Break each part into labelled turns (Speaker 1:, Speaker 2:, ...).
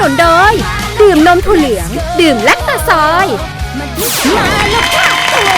Speaker 1: นุนโดยดื่มนมถั่วเหลืองดื่มแลคตาซอยมาแล้วค่ะตัวแม่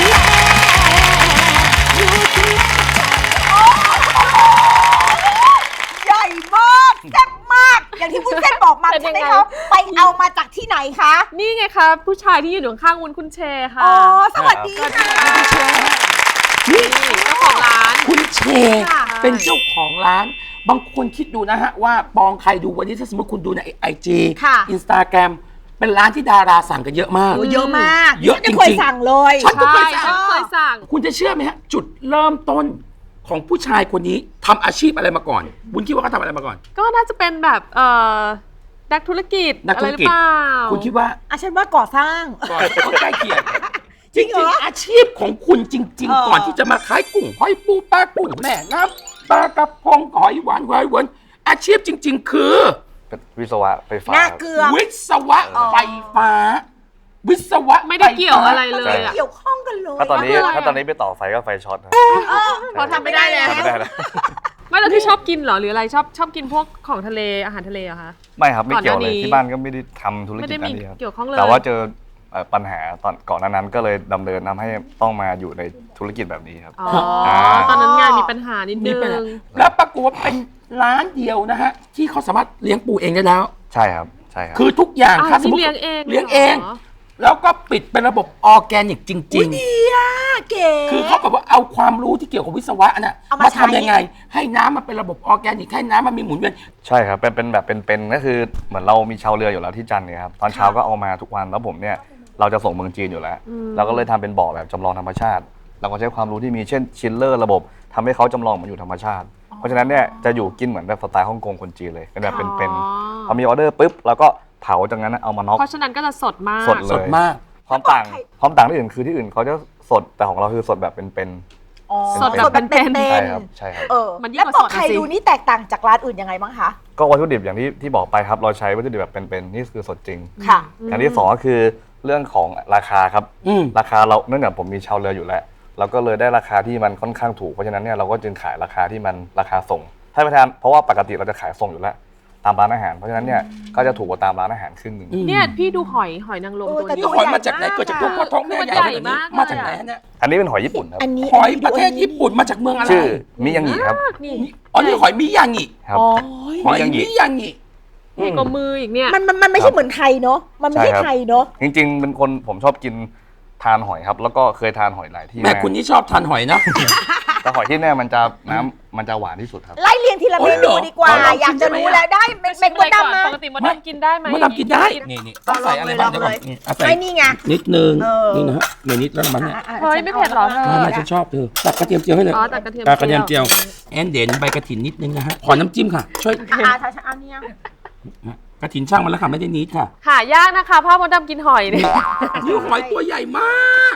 Speaker 2: ใหญ่มากแซ่บมากอย่างที่วุ้นเส้นบอกมาใช่ไหมคะไปเอามาจากที่ไหนคะ
Speaker 3: นี่ไงคะผู้ชายที่อยู่ข้างวุ้นคุณเชค่ะ
Speaker 2: อ๋อสวัสดีค่ะ
Speaker 3: นี่เจ้าของร้าน
Speaker 4: คุณเชเป็นเจ้าของร้านบางคนคิดดูนะฮะว่าปองใครดูวันนี้ถ้าสมมติคุณดูในIG Instagram เป็นร้านที่ดาราสั่งกันเยอะมาก
Speaker 2: เยอะมาก
Speaker 4: เยอะจริงๆ
Speaker 2: เคยสั่งเลย
Speaker 4: ฉันก็เคย
Speaker 3: สั่ง
Speaker 4: คุณจะเชื่อไหมฮะจุดเริ่มต้นของผู้ชายคนนี้ทำอาชีพอะไรมาก่อนบุญคิดว่าเขาทำอะไรมาก่อน
Speaker 3: ก็น่าจะเป็นแบบนักธุรกิจอะไรหรือเปล่า
Speaker 4: คุณคิดว่า
Speaker 2: ฉันว่าก่อสร้าง
Speaker 4: ใกล้เคียงจริงๆอาชีพของคุณจริงๆก่อนที่จะมาขายกุ้งหอยปูปลากุ้งแม่น้ำปลากระพงหอยหวานหอยหวานอาชีพจริงๆคือ
Speaker 5: วิศวะไฟฟ้า
Speaker 4: วิศวะไฟฟ้าวิศวะ
Speaker 3: ไม่ได้เกี่ยวอะไรเลย
Speaker 2: เกี่ยวข้องกันเลย
Speaker 5: ถ้าตอนนี้ไปต่อไฟก็ไฟช็อตนะ
Speaker 3: พอทำไม่ได้แล้วไม่แล้วที่ชอบกินเหรอหรืออะไรชอบกินพวกของทะเลอาหารทะเลเหรอคะ
Speaker 5: ไม่ครับไม่เกี่ยวเลยที่บ้านก็ไม่ได้ทำธุรกิจนั้นเลย
Speaker 3: เกี่ยวข้องเลย
Speaker 5: แต่ว่าเจอปัญหาตอนก่อนนั้นก็เลยดำเนินทำให้ต้องมาอยู่ในธุรกิจแบบนี้ครับ
Speaker 3: ตอนนั้นงานมีปัญหานิดนึง
Speaker 4: แล้วปรากฏว่าเป็นร้านเดียวนะฮะที่เขาสามารถเลี้ยงปูเองได้แล้ว
Speaker 5: ใช่ครับใช่ครับ
Speaker 4: คือทุกอย่าง
Speaker 3: ถ้าสมมติเลี้ยงเอง
Speaker 4: แล้วก็ปิดเป็นระบบออร์แกนิกจริง
Speaker 2: ๆดีอะเก๋
Speaker 4: คือเขาแบบว่าเอาความรู้ที่เกี่ยวกับวิศวะน่ะมาทำยังไงให้น้ำมันเป็นระบบออร์แกนิกให้น้ำมันมีหมุนเวียน
Speaker 5: ใช่ครับเป็นแบบเป็นก็คือเหมือนเรามีชาวเรืออยู่แล้วที่จันทร์เนี่ยครับตอนเช้าก็เอามาทุกวันแล้วผมเนี่ยเราจะส่งเมืองจีนอยู่แล้วเราก็เลยทำเป็นบ่อแบบจำลองธรรมชาติเราก็ใช้ความรู้ที่มีเช่นชิลเลอร์ระบบทำให้เขาจำลองเหมือนอยู่ธรรมชาติเพราะฉะนั้นเนี่ยจะอยู่กินเหมือนแบบสไตล์ฮ่องกงคนจีนเลยเป็นแบบเป็นพอมีออเดอร์ปุ๊บแล้วก็เผาจากนั้นเอามาน็อก
Speaker 3: เพราะฉะนั้นก็จะสดมาก
Speaker 5: สดเลยความต่างที่อื่นคือที่อื่นเขาจะสดแต่ของเราคือสดแบบเป็น
Speaker 3: สดแบบเป็น
Speaker 5: ใช่ครับใช่ครับ
Speaker 2: แล้วบอกใครดูนี่แตกต่างจากร้านอื่นยังไงบ้างคะ
Speaker 5: ก็วัตถุดิบอย่างที่บอกไปครับเราใช้วัตถุดิบแบบเป็นนี่คือสดจริง
Speaker 2: ค่ะ
Speaker 5: อย่างที่สองก็คือเรื่องของราคาครับราคาเราเนื่องจากผมมีชาวเรืออยู่แล้วเราก็เลยได้ราคาที่มันค่อนข้างถูกเพราะฉะนั้นเนี่ยเราก็จึงขายราคาที่มันราคาส่งให้ประธานเพราะว่าปกติเราจะขายส่งอยู่แล้วตามร้านอาหารเพราะฉะนั้นเนี่ยก็จะถูกกว่าตามร้านอาหารครึ่งนึง
Speaker 3: เนี่ยพี่ดูหอยนางรมตัวนี้
Speaker 4: หอยมาจากไหนเกิดจากท้องแม่ใหญ่มากมาจากไหนเนี่ย
Speaker 5: อันนี้เป็นหอยญี่ปุ่นครับ
Speaker 4: หอยประเทศญี่ปุ่นมาจากเมืองอะไร
Speaker 5: ชื่อมิยังงิครับ
Speaker 4: อ๋อนี่หอยมิยังงิ
Speaker 5: ครับ
Speaker 4: หอยมิยังงิ
Speaker 3: นี่ก็มืออีกเนี่ย
Speaker 2: มันไม่ใช่เหมือนไทยเนาะมันไม่ใช่ไทยเนาะ
Speaker 5: จริงๆเป็นคนผมชอบกินทานหอยครับแล้วก็เคยทานหอยหลายที่
Speaker 4: แม่คุณนี่ชอบทานหอยนะ
Speaker 5: แต่หอยที่แน่มันจะน้ำมันจะหวานที่สุดครับ
Speaker 2: ไล่เรียงทีละเมนูดีกว่าอยากจะรู้แล้วได้เป็นมดดำนะ
Speaker 3: ปกติมดดำกินได้ไหม
Speaker 4: มดดำกินได้นี่ต้องใส่อะไรบ้างเดี๋ยวก่อน
Speaker 2: ใส่นี่ไง
Speaker 4: นิดนึงนี่นะฮะนิดแล้วมันเนี่ย
Speaker 3: เฮ้ยไม่เผ็ดหรอเธอ
Speaker 4: ไม่ฉันชอบเธอตักกระเทียมเจียวให้เลย
Speaker 3: ตักกระเที
Speaker 4: ยมเจียวแอนเด่นใบกระถินนิดนึงนะฮะขอน้ำจิ้มค่ะช่วย
Speaker 2: อันนี้
Speaker 4: กระถินช่างมันแล้วค่ะไม่ได้นิดค่ะ
Speaker 3: หายากนะคะพ่อมดดำกินหอยเนี่ย
Speaker 4: นี่หอยตัวใหญ่มาก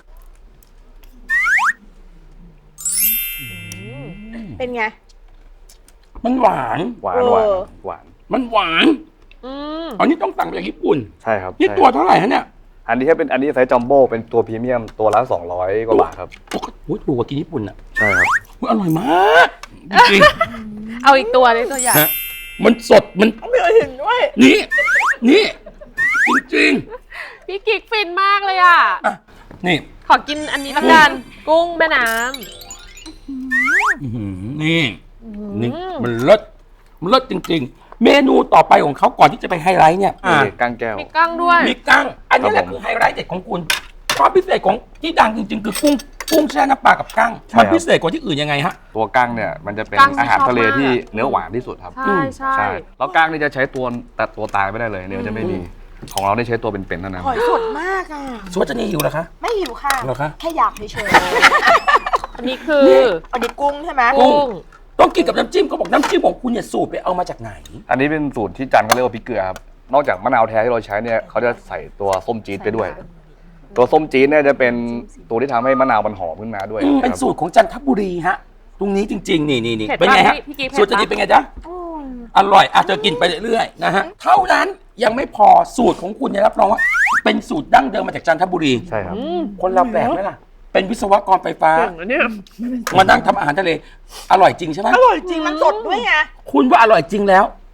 Speaker 2: เป็นไง
Speaker 4: มันหวานมันหวานอันนี้ต้องสั่งมาจากญี่ปุ่น
Speaker 5: ใช่ครับ
Speaker 4: นี่ตัวเท่าไหร่ฮะเนี่ย
Speaker 5: อันนี้เป็นอันนี้ไซส์จัมโบ้เป็นตัวพรีเมียมตัวละ200 กว่าบาทครับ
Speaker 4: โอ้ยถูกกว่ากินญี่ปุ่นอ่ะ
Speaker 5: ใช่ครับ
Speaker 4: อร่อยมากจริง
Speaker 3: เอาอีกตัวเลยตัวใหญ่
Speaker 4: มันสดมัน
Speaker 2: ไม่เห็นด้วย
Speaker 4: นี่จริง
Speaker 3: พี่กิ๊กฟินมากเลยอ่ะ
Speaker 4: นี่
Speaker 3: ขอกินอันนี้ละกันกุ้งแม่น้ำ
Speaker 4: นี่มันเลิศจริงๆเมนูต่อไปของเขาก่อนที่จะไปไฮไลท์เนี่ย
Speaker 5: กั้งแก้ว
Speaker 3: มีกั้งด้วย
Speaker 4: มีกั้งอันนี้แหละคือไฮไลท์เด็ดของคุณความพิเศษของที่ดังจริงๆคือกุ้งแช่น้ำปลากับกั้งมันพิเศษกว่าที่อื่นยังไงฮะ
Speaker 5: ตัวกั้งเนี่ยมันจะเป็นอาหารทะเลที่เนื้อหวานที่สุดครับ
Speaker 3: ใช่
Speaker 5: แล้วกั้งนี่จะใช้ตัวตายไม่ได้เลยเนื้อจะไม่มีของเราได้ใช้ตัวเป็นๆเท่านั้น
Speaker 2: หอยสดมากอ่ะ
Speaker 4: สวัสดีหิวเหรอคะ
Speaker 2: ไม่หิวค่ะแค่อยากเฉย
Speaker 3: ๆอันนี้คือ
Speaker 2: อันนี้กุ้งใช่ไหม
Speaker 3: กุ้ง
Speaker 4: ต้องกินกับน้ำจิ้มเขาบอกน้ำจิ้มของคุณเนี่ยสูตรไปเอามาจากไหน
Speaker 5: อันนี้เป็นสูตรที่จันเขาเรียกว่าพริกเกลือครับนอกจากมะนาวแท้ที่เราใช้เนี่ยเขาจะใส่ตัวส้มจี๊ดไปด้วยตัวส้มจี๊ดเนี่ยจะเป็นตัวที่ทำให้มะนาวมันหอมขึ้นมาด้วย
Speaker 4: เป็นสูตรของจันทบุรีฮะตรงนี้จริงๆนี่เป็นไงฮะสูตรจะดีเป็นไงจ๊ะอร่อยอาจจะกินไปเรื่อยๆนะฮะเท่านั้นยังไม่พอสูตรของคุณเนี่ยรับรองว่าเป็นสูตรดั้งเดิมมาจากจันทบุรี
Speaker 5: ใช่ครับ
Speaker 4: คนเราแปลกไหมล่ะเป็นวิศวกรไฟฟ้ามานั่งทำอาหารทะเลอร่อยจริงใช่ไหม
Speaker 2: อร่อยจริงมันสดด้วยไง
Speaker 4: คุณว่าอร่อยจริงแล้ว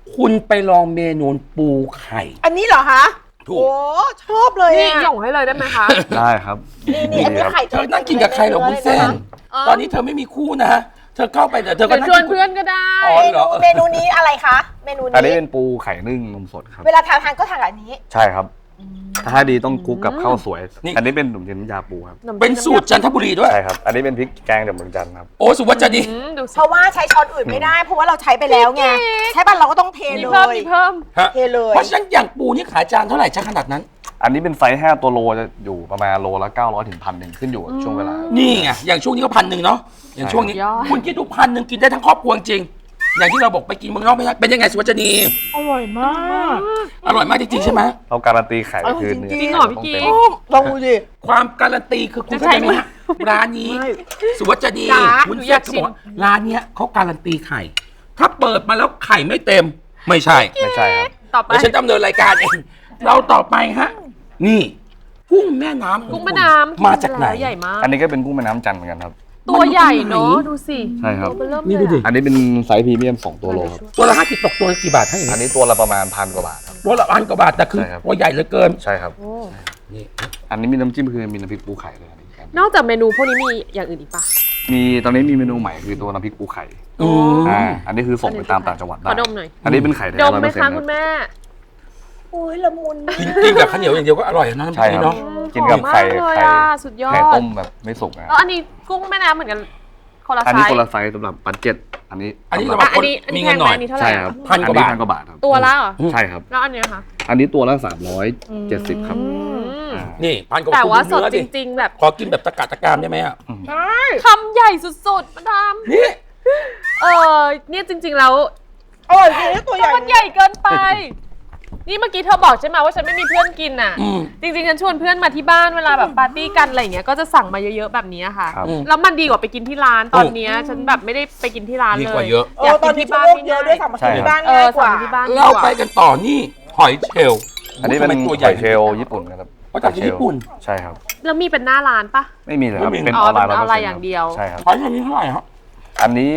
Speaker 4: คุณไปลองเมนูปูไข่
Speaker 2: อันนี้เหรอคะ
Speaker 4: ถูก
Speaker 2: โอ้ชอบเลย
Speaker 3: นี่
Speaker 2: อะ
Speaker 3: หย่งให้เลยได้ไหมคะ
Speaker 5: ได้ครับ
Speaker 2: นี่อันนี้
Speaker 5: ครับ
Speaker 2: ไข่
Speaker 4: เธอนั่งกินกับใครเหรอวุ้นเส้น ตอนนี้เธอไม่มีคู่นะ เธอเข้าไปเดี๋ยวเธอก็
Speaker 3: เดี๋ยว
Speaker 4: นั่ง
Speaker 3: ชวน
Speaker 4: กิน
Speaker 3: เพื่อนก็ได้
Speaker 4: อ๋อเหรอ
Speaker 2: เมนูนี้อะไรคะ เมนู
Speaker 5: อันนี้
Speaker 2: นี้
Speaker 5: เป็นปูไข่นึ่งนมสดครับ
Speaker 2: เวลาทานก็ทานกับอันนี้
Speaker 5: ใช่ครับ ถ้าดีต้องคลุกกับข้าวสวย อันนี้เป็นขนมจีนน้ำยาปูครับ
Speaker 4: เป็นสูตรจันทบุรีด้วย
Speaker 5: ใช่ครับ อันนี้เป็นพริกแกงจากเมืองจันทร์ครับ
Speaker 4: โอ้สุวัสดิ์ดี
Speaker 3: ดูสิ
Speaker 2: เพราะว่าใช้ช้อนอื่นไม่ได้ เพราะว่าเราใช้ไปแล้วไง ใช้บ้านเราก็ต้องเท
Speaker 3: มี
Speaker 2: เล
Speaker 3: เพิ่ม
Speaker 2: ย
Speaker 3: มีเพิ่ม
Speaker 4: ฮะ
Speaker 2: เทเลย
Speaker 4: เพราะฉะนั้นอย่างปูนี่ขายจานเท่าไหร่จะขนาดนั้น
Speaker 5: อันนี้เป็นไซส์5ตัวโลจะอยู่ประมาณโลละ900ถึง1,000ขึ้นอยู่กับช่วงเวลา
Speaker 4: นี่ไงอย่างช่วงนี้ก็1,000เนาะอย่างช่วงนี้
Speaker 3: ยอด
Speaker 4: คุณคิดดู1,000กินได้ทั้งครอบครัวจริงอย่างที่เราบอกไปกินเมืองนอกไม่ได้เป็นยังไงสุวัสดิ์ดี
Speaker 2: อร่อยมาก
Speaker 4: อร่อยมากจริงๆใช่ไหม
Speaker 5: เราการันตีไข่คือเนื้อ
Speaker 3: จริงเหรอพี่กิ๊ก
Speaker 2: ลองดูดิ
Speaker 4: ความการันตีคือคุณ
Speaker 3: จะ
Speaker 4: เข้า
Speaker 3: ใช่
Speaker 4: ใจไหม
Speaker 3: ไหม
Speaker 4: ฮะร้านนี้สุวัสดิ์ดี
Speaker 2: จ๋า
Speaker 4: คุณ
Speaker 3: หนูอ
Speaker 4: เซ็
Speaker 3: ยาก
Speaker 4: เขา
Speaker 3: ชิ
Speaker 4: บ
Speaker 3: ม
Speaker 4: อกว่าร้านเนี้ยเขาการันตีไข่ ถ้าเปิดมาแล้วไข่ไม่เต็มไม่ใช่
Speaker 5: ไม่ใช่ครับ
Speaker 3: ต่อไป
Speaker 4: เดี๋ยวฉันดำเนินรายการเองเราต่อไปฮะนี่กุ้งแม่น้ำ
Speaker 3: กุ้งแม่น้ำ
Speaker 4: มาจากไหน
Speaker 3: แล้วใหญ่มาก
Speaker 5: อันนี้ก็เป็นกุ้งแม่น้ำจันทร์เหมือนกันครับ
Speaker 3: ตัวใหญ่เนาะดูสิ
Speaker 5: ใช่ครับ
Speaker 3: ตัวเริ่ม
Speaker 4: นี่
Speaker 3: เลย
Speaker 4: ดูดิ
Speaker 3: อะ
Speaker 5: อันนี้เป็นไซส์พรีเมียม2ตัวโลครับ
Speaker 4: ตัวละ50ตกตัวละกี่บาทให้อย่าง
Speaker 5: อัน
Speaker 4: นี้
Speaker 5: นี้ตัวละประมาณ1,000 กว่าบาทครับ
Speaker 4: ตัวละ1,000 กว่าบาทแต่คือ
Speaker 5: ใช่ครับ
Speaker 4: ตัวใหญ่เหลือเกิน
Speaker 5: ใช่ครับ
Speaker 3: โอ้
Speaker 4: นี่
Speaker 5: อันนี้มีน้ำจิ้มคือมีน้ำพริกปูไข่เลยอันนี้ครับ
Speaker 3: นอกจากเมนูพวกนี้มีอย่างอื่นอีกปะ
Speaker 5: มีตอนนี้มีเมนูใหม่คือตัวน้ำพริกปูไข่
Speaker 4: อืม
Speaker 5: อันนี้คือส่งไปตามต่างจังหวัด
Speaker 3: ข
Speaker 5: ได้
Speaker 3: อดมหน่อย
Speaker 5: อันนี้เป็นไข่แท้
Speaker 3: ดมไหม
Speaker 5: 100%ค
Speaker 3: คะ
Speaker 5: รับ
Speaker 3: คุณแม่
Speaker 2: โอ้ยละมุน
Speaker 4: กินกับข้าวเหนียวอย่างเดียวก็อร่อยนะน้ำพ
Speaker 5: ใช่
Speaker 4: ริก
Speaker 5: ครับ
Speaker 4: เนาะ
Speaker 5: กินกับไข่
Speaker 3: หอมมากเลย
Speaker 5: ไข่
Speaker 3: อะสุดยอด
Speaker 5: ไข่ต้มแบบไม่สุกนะ
Speaker 3: แล้วอันนี้กุ้งแม่น้ำเหมือนกันคนละ
Speaker 5: อัน
Speaker 3: ไซ
Speaker 5: นี้
Speaker 3: ส์
Speaker 5: คนละไซส์สำหรับบัตเจ็ตอันนี้
Speaker 4: อันนี้
Speaker 5: สำห
Speaker 4: สำห
Speaker 5: รั
Speaker 4: รั
Speaker 5: บบ
Speaker 3: อันนี้อัน
Speaker 4: มี
Speaker 3: นี้แพ
Speaker 4: เงิ
Speaker 3: ง
Speaker 4: น
Speaker 3: ไห
Speaker 4: ห
Speaker 3: ม
Speaker 4: น่อย
Speaker 3: อันนี้เท่าไห
Speaker 5: ใช่
Speaker 3: ร่
Speaker 5: ครับ
Speaker 4: 1,000 กว่าบาท
Speaker 5: 1,000 กว่าบาทครับ
Speaker 3: ตัวละเหรอ
Speaker 5: ใช่ครับ
Speaker 3: แล้วอันเนี้ยคะ
Speaker 5: อันนี้ตัวละ370ครับ อ่า
Speaker 4: นี่1,000 กว่า
Speaker 3: แต่ว่าสด
Speaker 4: เนื้อ
Speaker 3: จริง ๆ แบบ
Speaker 4: ขอกินแบบตะกะตะกามได้ไหมอ่ะ
Speaker 3: คำใหญ่สุดๆมาดาม
Speaker 4: นี่
Speaker 3: เนี่ยจริง ๆ แล้ว
Speaker 2: อร่อยจริงนะตัวใหญ่
Speaker 3: มันใหญ่เกินไป นี่เมื่อกี้เธอบอกใช่ไหมว่าฉันไม่มีเพื่อนกินอ่ะ
Speaker 4: อืม
Speaker 3: จริงๆฉันชวนเพื่อนมาที่บ้านเวลาแบบปาร์ตี้กันอะไรอย่างเงี้ยก็จะสั่งมาเยอะๆแบบนี้ค่ะ
Speaker 5: ครับ
Speaker 3: แล้วมันดีกว่าไปกินที่ร้านตอนเนี้ยฉันแบบไม่ได้ไปกินที่ร้าน
Speaker 4: ดี
Speaker 3: เลย
Speaker 4: กว่าเยอะ
Speaker 3: อยาก
Speaker 2: ต
Speaker 3: กิ
Speaker 2: อน
Speaker 3: น
Speaker 2: นี้
Speaker 3: ที่
Speaker 2: บ้า
Speaker 3: บ้าน น
Speaker 2: เยอะด้วยสั่งมากินที่บ้าน
Speaker 3: เอ
Speaker 2: ง่า
Speaker 3: อย
Speaker 2: กว่า
Speaker 3: สั่งที่บ้านดี
Speaker 4: เรา
Speaker 3: กว่า
Speaker 4: ไปกันต่อนี่หอยเชลล์
Speaker 5: อันนี้เป็น
Speaker 4: ทำไมตัว
Speaker 5: ห
Speaker 4: ใหญ่
Speaker 5: อยเชลล์ญี่ปุ่นนะครับ
Speaker 4: เขาจากที่ญี่ปุ่น
Speaker 5: ใช่ครับ
Speaker 3: แล้วมีเป็นหน้าร้านปะ
Speaker 5: ไม่มีเลยครับ
Speaker 4: ไม่มี
Speaker 5: เป็น
Speaker 3: อ๋
Speaker 5: อ
Speaker 3: อ
Speaker 5: อนไลน์
Speaker 3: เป็นออนไลน์
Speaker 5: 100%
Speaker 3: อย่างเดียว
Speaker 5: ใช่ครับ
Speaker 4: หอยเชลล์นี้เท่าไหร่ครับ
Speaker 5: อันนี้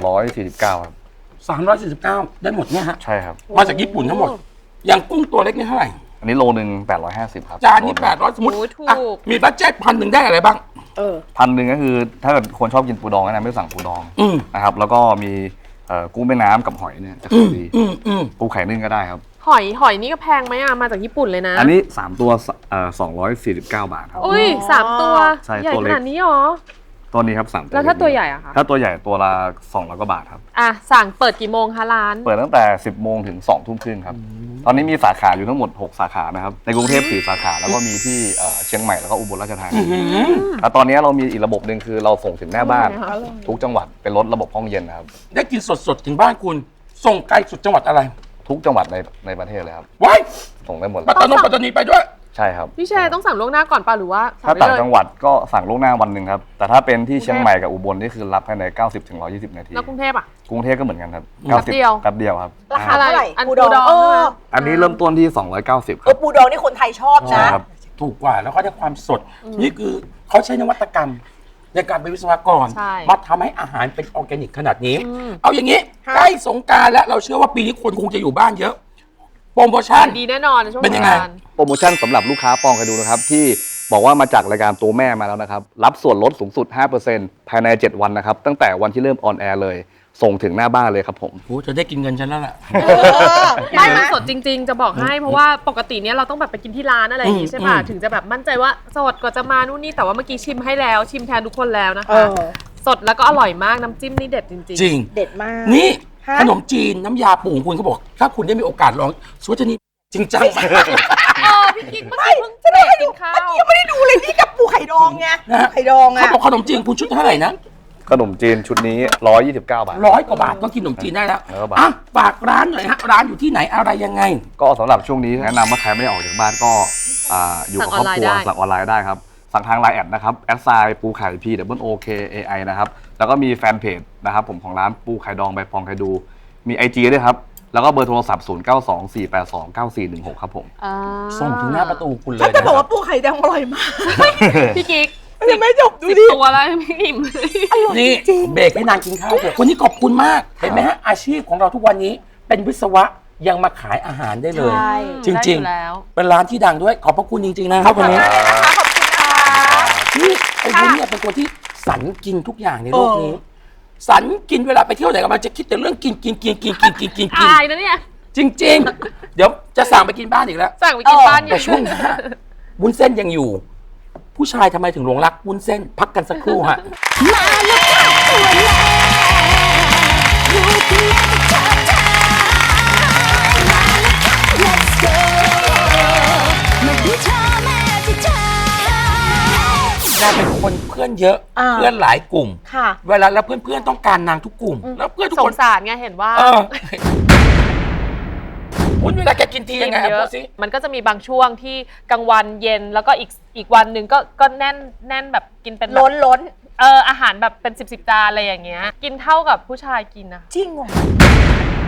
Speaker 5: 349ครับ
Speaker 4: 349ได้หมดเนี่ยฮะ
Speaker 5: ใช่ครับ
Speaker 4: มาจากญี่ปุ่นทั้งหมด อย่างกุ้งตัวเล็กนี่เท่าไหร่
Speaker 5: อันนี้โลนึง850ครับ
Speaker 4: จานนี้800สมมติ
Speaker 3: โอ้ยถูก
Speaker 4: อ่ะมีบัตเจ็ต1,000ได้อะไรบ้าง
Speaker 5: 1,000ก็คือถ้าเกิดคนชอบกินปูดองแนะนำให้สั่งปูดอง
Speaker 4: อืม
Speaker 5: นะครับ แล้วก็มีกุ้งแม่น้ำกับหอยเนี่ยจะ
Speaker 4: อื
Speaker 5: ขาย
Speaker 4: ม
Speaker 5: ดี
Speaker 4: อืม
Speaker 5: ปูไข่นึ่งก็ได้ครับ
Speaker 3: หอยนี่ก็แพงไหมอ่ะมาจากญี่ปุ่นเลยนะ
Speaker 5: อันนี้3ตัว249 บาทครับ
Speaker 3: อุ้ย3 ตัว
Speaker 5: ใช่
Speaker 3: ใหญ่
Speaker 5: ตัว
Speaker 3: ข
Speaker 5: เล็ก
Speaker 3: นาดนี้หรอ
Speaker 5: ตัวนี้ครับ3ตัว
Speaker 3: แล้วถ้าตัวใหญ่อะคะ
Speaker 5: ถ้าตัวใหญ่ตัวละ200 กว่าบาทครับ
Speaker 3: อ่ะสั่งเปิดกี่โมงคะร้าน
Speaker 5: เปิดตั้งแต่ 10 โมงถึง 2 ทุ่มครึ่งครับ ตอนนี้มีสาขาอยู่ทั้งหมด 6 สาขานะครับ ในกรุงเทพ4 สาขา แล้วก็มีที่เชียงใหม่แล้วก็อุบลราชธานีแล้วตอนนี้เรามีอีกระบบหนึ่งคือเราส่งถึงหน้าบ้าน ทุกจังหวัดเป็นรถระบบห้องเย็นนะครับ
Speaker 4: ได้กินสดๆ ถึงบ้านคุณ ส่งไกลสุดจังหวัดอะไร
Speaker 5: ทุกจังหวัดในประเทศเลยครับ
Speaker 4: ไว้
Speaker 5: ส่งได้หมดเล
Speaker 4: ปัต
Speaker 5: ย
Speaker 4: ตานีไปด้วย
Speaker 5: ใช่ครับ
Speaker 3: พี่แชร์ต้องสั่งล่วงหน้าก่อนป่ะหรือว่า
Speaker 5: ถ้า
Speaker 3: สั่
Speaker 5: ต่าง
Speaker 3: ได้เลย
Speaker 5: จังหวัดก็สั่งล่วงหน้าวันหนึ่งครับ แต่ถ้าเป็นที่เชียงใหม่กับอุบลนี่คือรับภายใน90ถึง120 นาที
Speaker 3: แล้วกรุงเทพอ่ะ
Speaker 5: กรุงเทพก็เหมือนกันครับ
Speaker 3: แป๊บเดียว
Speaker 5: แป๊บเดียวครับ
Speaker 2: ราคาเท่าไหร่
Speaker 3: อัน
Speaker 2: ปูดอง
Speaker 3: ปูดอง
Speaker 2: เออ
Speaker 5: อันนี้เริ่มต้นที่290ค
Speaker 2: เอ
Speaker 5: รั
Speaker 2: อบ ปูดองนี่คนไทยชอบ
Speaker 5: ใช่
Speaker 2: นะ
Speaker 5: ครับ
Speaker 4: ถูกกว่าแล้วก็ได้ความสด นี่คือเขาใช้นวัตกรรม ในการเป็นวิศวกร
Speaker 3: ใช่
Speaker 4: มาทำให้อาหารเป็นออร์แกนิกขนาดนี้
Speaker 3: อืม
Speaker 4: เอาอย่างนี้
Speaker 2: ค่ะ
Speaker 4: ใกล้สงกรารแล้วเราเชื่อว่าปีนี้คนคงจะอยู่บ้านเยอะ โปรโมชั่น
Speaker 3: ดีแน่นอนในช่วง
Speaker 4: เป็นยังไง
Speaker 3: สกรานต์
Speaker 5: โปรโมชั่นสำหรับลูกค้าปองกันดูนะครับ ที่บอกว่ามาจากรายการตัวแม่มาแล้วนะครับ รับส่วนลดสูงสุด 5% ภายใน 7 วันนะครับ ตั้งแต่วันที่เริ่มออนแอร์เลย ส่งถึงหน้าบ้านเลยครับผม
Speaker 4: โอ้จะได้กินเงินฉันแล้วล่ะ
Speaker 3: ไม่มันสดจริง ๆ จะบอกให้เพราะว่าปกติเนี้ยเราต้องแบบไปกินที่ร้านอะไรอย่างงี้ใช่ป่ะ
Speaker 4: อืม
Speaker 3: ถึงจะแบบมั่นใจว่าสดกว่าจะมานู่นนี่แต่ว่าเมื่อกี้ชิมให้แล้วชิมแทนทุกคนแล้วนะ
Speaker 2: เอ
Speaker 3: คะ
Speaker 2: อ
Speaker 3: สดแล้วก็อร่อยมากน้ำจิ้มนี่เด็ดจริง
Speaker 4: จริง
Speaker 2: เด็ดมาก
Speaker 4: นี่
Speaker 2: ฮะ
Speaker 4: ขนมจีนน้ำยาปูของคุณเขาบอก ถ้าคุณได้มีโอกาสลองสวัสดีจริงจังมาก
Speaker 3: พี่กิ๊กเมื่อกี้เพิ่งเบรกกินข้าว
Speaker 2: ยังไม่ได้ดูเลยนี่กับปูไข่ดองไง
Speaker 4: นะฮะ
Speaker 2: ไข่ดอง
Speaker 4: เขา
Speaker 2: อะ
Speaker 4: บอกขนมจีนคุณชุดเท่าไหร่นะ
Speaker 5: ขนมจีนชุดนี้129 บาท
Speaker 4: 100 กว่าบาทก็กินขนมจีนได้แล้ว
Speaker 5: 100 บาท
Speaker 4: อ่ะฝากร้านหน่อยฮะร้านอยู่ที่ไหนอะไรยังไง
Speaker 5: ก็สำหรับช่วงนี้แนะนำว่าใครไม่ได้ออกจากบ้านก็อยู่กับครอบครัว
Speaker 3: สั่งออนไลน์ได้
Speaker 5: สั่งออนไลน์ได้ครับ สั่งทางไลน์แอดนะครับแอดไซน์ปูไข่ POOKAI นะครับ แล้วก็มีแฟนเพจนะครับผมของร้านปูไข่ดองใบปองไข่ดู มี IG ด้วยครับ แล้วก็เบอร์โทรศัพท์ 0924829416 ครับผม
Speaker 3: อ่า
Speaker 4: ส่งถึงหน้าประตูคุณเลย
Speaker 2: ถ้าจะ
Speaker 4: นะ
Speaker 2: บอก
Speaker 4: ครั
Speaker 2: ว่าปูไข่ดองอร่อยมาก
Speaker 3: พี่กิ๊ก
Speaker 2: ยังไม่จบดู
Speaker 3: 10
Speaker 2: ดิ
Speaker 3: ตัวแล้วยังไม่อิ่มเลย
Speaker 4: นี่เบรกให้นางกินข้าวเถอะวันนี้ขอบคุณมาก เห็นไหมฮะอาชีพของเราทุกวันนี้เป็นวิศวะยังมาขายอาหารได้เลย
Speaker 2: ใช่
Speaker 4: จริง
Speaker 3: ได้อยู่แล้ว
Speaker 4: ๆ เป็นร้านที่ดังด้วยขอบพระคุณจริงๆนะครับวันนี้ นี่ไอ้วุ้นเนี่ยเป็นคนที่สันกินทุกอย่างในโลกนี้ สันกินเวลาไปเที่ยวไหนก็มาจะคิดแต่เรื่องกิน
Speaker 3: อายนะเนี่ย
Speaker 4: จริง ๆ เดี๋ยวจะสั่งไปกินบ้านอีกแล้ว
Speaker 3: สั่งไปกินบ้านอยู่
Speaker 4: แต่ช่วงหน้าวุ้นเส้นยังอยู่ ผู้ชายทำไมถึงหลงรักวุ้นเส้น พักกันสักครู่ฮะ
Speaker 1: มาแล้วค่ะตัวแม่ลูกแม่ชอบทานมาแล้วค่ะ let's go มาดูเธอแม่ที่เธอ
Speaker 4: นางเป็นคนเพื่อนเยอะ เพื่อนหลายกลุ่ม
Speaker 2: ค่ะ
Speaker 4: เวลาแล้วเพื่อนๆต้องการนางทุกกลุ่ม แล้วเพื่อนทุก
Speaker 3: ส
Speaker 4: ค
Speaker 3: ง
Speaker 4: น
Speaker 3: สารไงเห็นว่า
Speaker 4: เออวุ้นเวลาแกกินทียังไง
Speaker 3: กินเย
Speaker 4: พู
Speaker 3: อะ
Speaker 4: ดสิ
Speaker 3: มันก็จะมีบางช่วงที่กลางวันเย็นแล้วก็อีกวันหนึ่งก็แน่นแบบกินเป็นแบบ
Speaker 2: ล้น
Speaker 3: อาหารแบบเป็น10 จานอะไรอย่างเงี้ย กินเท่ากับผู้ชายกินนะ
Speaker 2: จริงเหรอ